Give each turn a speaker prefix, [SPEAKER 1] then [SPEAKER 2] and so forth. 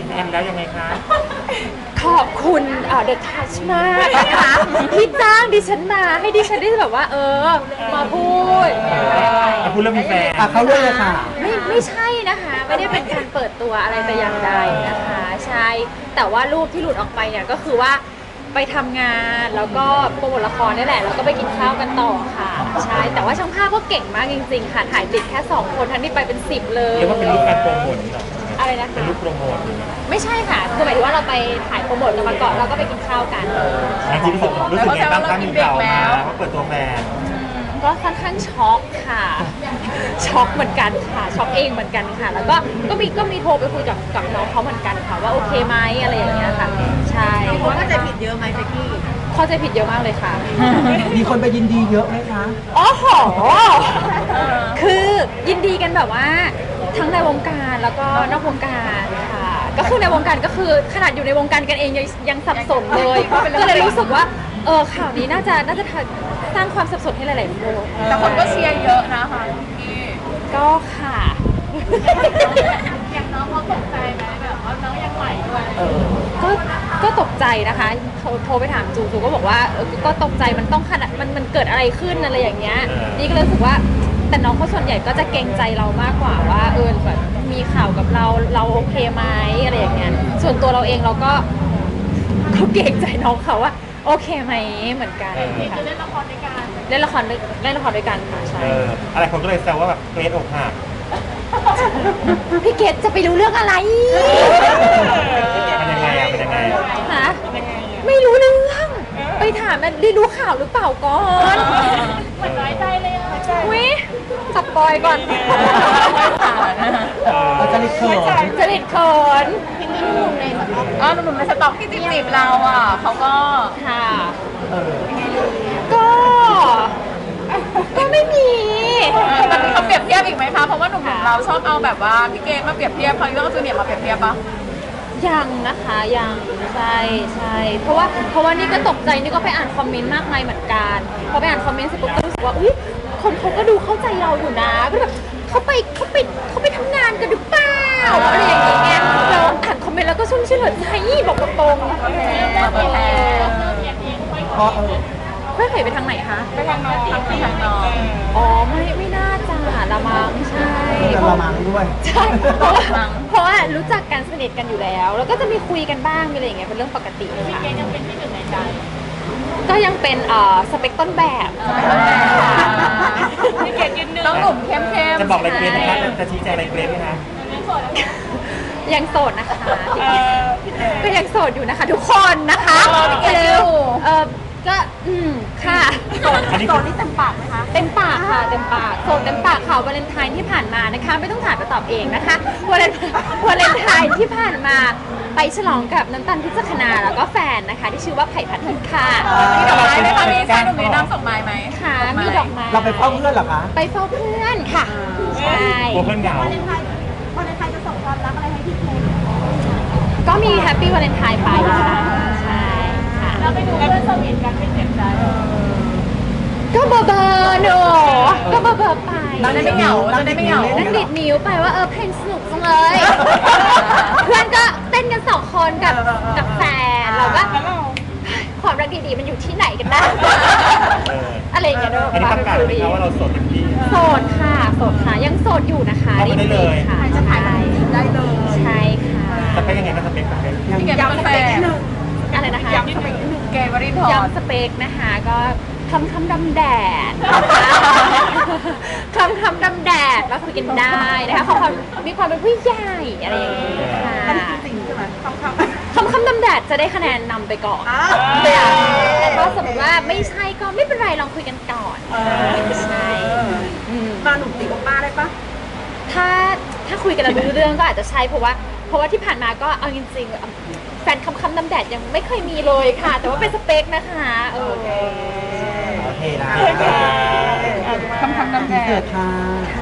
[SPEAKER 1] แฟนแล้วยังไงคะ
[SPEAKER 2] ขอบคุณเดอะทัชมากนะคะที่จ้างดิฉันมาให้ดิฉันได้แบบว่ามาพูด
[SPEAKER 1] พูดเรื่องมีแฟน
[SPEAKER 3] เขาเรื่องเลยค่ะ
[SPEAKER 2] ไม่ใช่นะคะไม่ได้เป็นการเปิดตัวอะไรแต่อย่างใดนะคะใช่แต่ว่ารูปที่หลุดออกไปเนี่ยก็คือว่าไปทำงานแล้วก็โปรโมทละครนี่แหละแล้วก็ไปกินข้าวกันต่อค่ะใช่แต่ว่าช่างภาพก็เก่งมากจริงๆค่ะถ่ายติดแค่2คนทั้งที่ไปเป็น10เลย
[SPEAKER 1] เรียกว่าเป็นรูปการโปรโมทนี่หรอ
[SPEAKER 2] อะไรนะคะ
[SPEAKER 1] เป็นรูปโปรโมท
[SPEAKER 2] ไม่ใช่ค่ะคือหมายถึงว่าเราไปถ่ายโปรโมทกันมาก่อนเราก็ไปกินข้าวกัน
[SPEAKER 1] จริงรู้สึกยังไงบ้างคะมีข่าวมาว่าเปิดตัวแฟน
[SPEAKER 2] ก็ค่อนข้างช็อกค่ะช็อกเหมือนกันค่ะช็อกเองเหมือนกันค่ะแล้วก็มีโทรไปคุยกับน้องเขาเหมือนกันค่ะว่าโอเคไหมอะไรอย่างเงี้ยค่ะใช่
[SPEAKER 4] เขาเข้าใจผิดเยอะไหมเจ๊กี้
[SPEAKER 2] เข้าใจผิดเยอะมากเลยค่ะ
[SPEAKER 3] มีคนไปยินดีเยอะไหมคะ
[SPEAKER 2] อ๋อโหคือยินดีกันแบบว่าทั้งในวงการแล้วก็นอกวงการค่ะก็คือในวงการก็คือขนาดอยู่ในวงการกันเองยังสับสนเลยก็เลยรู้สึกว่าข่าวนี้น่าจะสร้างความสับสนให้หลายๆคน
[SPEAKER 4] แต่คนก็เชียร์เยอะนะคะพี่
[SPEAKER 2] ก็ค่ะ
[SPEAKER 4] อย่างน้องเขาตกใจไหมแบบว่าน้องยังใหม่ด้วย
[SPEAKER 2] ก็ตกใจนะคะโทรไปถามจูก็บอกว่าก็ตกใจมันต้องขนาดมันเกิดอะไรขึ้นอะไรอย่างเงี้ยนี่ก็เลยรู้สึกว่าแต่น้องเขาส่วนใหญ่ก็จะเกรงใจเรามากกว่าว่าแบบมีข่าวกับเราโอเคไหมอะไรอย่างเงี้ยส่วนตัวเราเองเราก็เกรงใจน้องเขาว่าโอเคไหมเหมือนกันค่ะ
[SPEAKER 4] เล่นละครด้วยกัน
[SPEAKER 2] เล่นละครด้วยกันค่ะใช่
[SPEAKER 1] อะไรคนก็เลยแซวว่าแบบเกรดอกหัก
[SPEAKER 2] พี่เกดจะไปรู้เรื่องอะไร
[SPEAKER 1] มันยังไง
[SPEAKER 2] ฮะไม่รู้เรื่องไปถามได้ดูข่าวหรือเปล่าก่อน
[SPEAKER 4] เหมือนน้อยใจเลยอ่ะ
[SPEAKER 2] วิสปอยก่อน
[SPEAKER 3] จริตเขิน
[SPEAKER 4] หนุ่มในสต็อกที่จีบเราอ่ะเขาก็
[SPEAKER 2] ค่ะก็ไม่มี
[SPEAKER 4] มันมีเขาเปรียบเทียบอีกไหมคะเพราะว่าหนุ่มเราชอบเอาแบบว่าพี่เกดมาเปรียบเทียบพอเรื่องจูเนียร์มาเปรียบเทียบปะ
[SPEAKER 2] ยังนะคะยังใช่เพราะว่านี่ก็ตกใจนี่ก็ไปอ่านคอมเมนต์มากมายเหมือนกันพอไปอ่านคอมเมนต์เสร็จปุ๊บก็รู้สึกว่าอุ๊ยคนเขาก็ดูเข้าใจเราอยู่นะก็แบบเขาไปทำงานกันหรือเปล่าอะไรอย่างเงี้ยเราอ่านคอมเมนต์แล้วก็ชุ่มชื่นหัวใจบอกตรงค่อยเผยไปทางไหนคะ
[SPEAKER 4] ไปทางน้อง
[SPEAKER 2] อ๋อไม่น่าจะละมังใช่
[SPEAKER 3] ละมังด้วย
[SPEAKER 2] ใช่เพราะว่ารู้จักกันสนิทกันอยู่แล้วก็จะมีคุยกันบ้างมีอะไรอย่างเงี้ยเป็นเรื่องปกติ
[SPEAKER 4] ค่ะพี่เกดยังเป็นที่หนึ่งในใจ
[SPEAKER 2] ก็ยังเป็นสเปคต้นแบบ
[SPEAKER 4] พี่เกดยืนหนึ่งต้องหนุ่มเข้ม
[SPEAKER 1] จะบอกอะไรเกรดนะคะจะชี้แจงอะไรเกรดไหมคะ
[SPEAKER 2] ยังโสดนะคะก็ยังโสดอยู่นะคะทุกคนนะคะก็ค่ะโสดนี่เต็มปากไหมคะเต็มปากค่ะเต็มปากโสดเต็มปากค่ะวาเลนไทน์ที่ผ่านมานะคะไม่ต้องถามไปตอบเองนะคะวาเลนไทน์ที่ผ่านมาไปฉลองกับน้ำตาลพิจักนาแล้วก็แฟนนะคะที่ชื่อว่าไผ่พัทรค่ะ
[SPEAKER 4] มีดอกไม้ไหมคะมีชายหนุ่มในน้ำส่งไม้ไหม
[SPEAKER 2] ค่ะมีดอกไม้
[SPEAKER 3] เราไปเฝ้าเพื่อนเหรอคะ
[SPEAKER 2] ไปเฝ้าเพื่อนค่ะใช่
[SPEAKER 1] เพื่อนเหงาวา
[SPEAKER 4] เลนไทน์จะส่งความรักอะไรให้พี่เกด
[SPEAKER 2] ก็มีแฮปปี้วาเลนไทน์ไปค่ะใช่ค่ะ
[SPEAKER 4] แล้วไปดูเพื่อนสวีทกันไม่เจ็บใจ
[SPEAKER 2] ก็เบอร์หนูก็เบอร์ไป
[SPEAKER 4] นั่งไม่เหงานั่ง
[SPEAKER 2] ดิดนิ้วไปว่าเพลงสนุกจังเลยเพื่อนก็เต้นกัน2 คนกับแฟนเราก็ความรักดีๆมันอยู่ที่ไหนกันนะอะไรอย่างเงี้ย
[SPEAKER 1] อันนี้ประกาศไหมคะว่าเราโสดเต็มที่
[SPEAKER 2] โสดค่ะยังโสดอยู่นะคะ
[SPEAKER 1] รีบเลย
[SPEAKER 2] ค่ะ
[SPEAKER 4] จะถ่ายได้เลย
[SPEAKER 2] ใช่ค่ะ
[SPEAKER 1] สเปคยังไงก็สเปค
[SPEAKER 4] พี่เกดเป็นแฟน
[SPEAKER 2] อะไรนะคะ
[SPEAKER 4] ย้ำสเปคนิดนึงเกดวรินทร์
[SPEAKER 2] ย้ำสเปคนะคะก็คำดำแดดคำดำแดดแล้วคุยกันได้นะคะความมีความเป็นผู้ใหญ่อะไรอย่างเงี้ยค่ะ
[SPEAKER 4] จริงใช่ไหม
[SPEAKER 2] คำดำแดดจะได้คะแนนนำไปก่อนแต่ถ้าสมมติว่าไม่ใช่ก็ไม่เป็นไรลองคุยกันก่อนใช่
[SPEAKER 4] มาหนุ่มตีกับป้าได้ปะ
[SPEAKER 2] ถ้าคุยกันแล้วรู้เรื่องก็อาจจะใช่เพราะว่าที่ผ่านมาก็เอาจริงๆแฟนคำดำแดดยังไม่เคยมีเลยค่ะแต่ว่าเป็นสเปคนะคะ
[SPEAKER 3] โอเคนะ
[SPEAKER 4] คำดำแดด
[SPEAKER 3] ค่ะ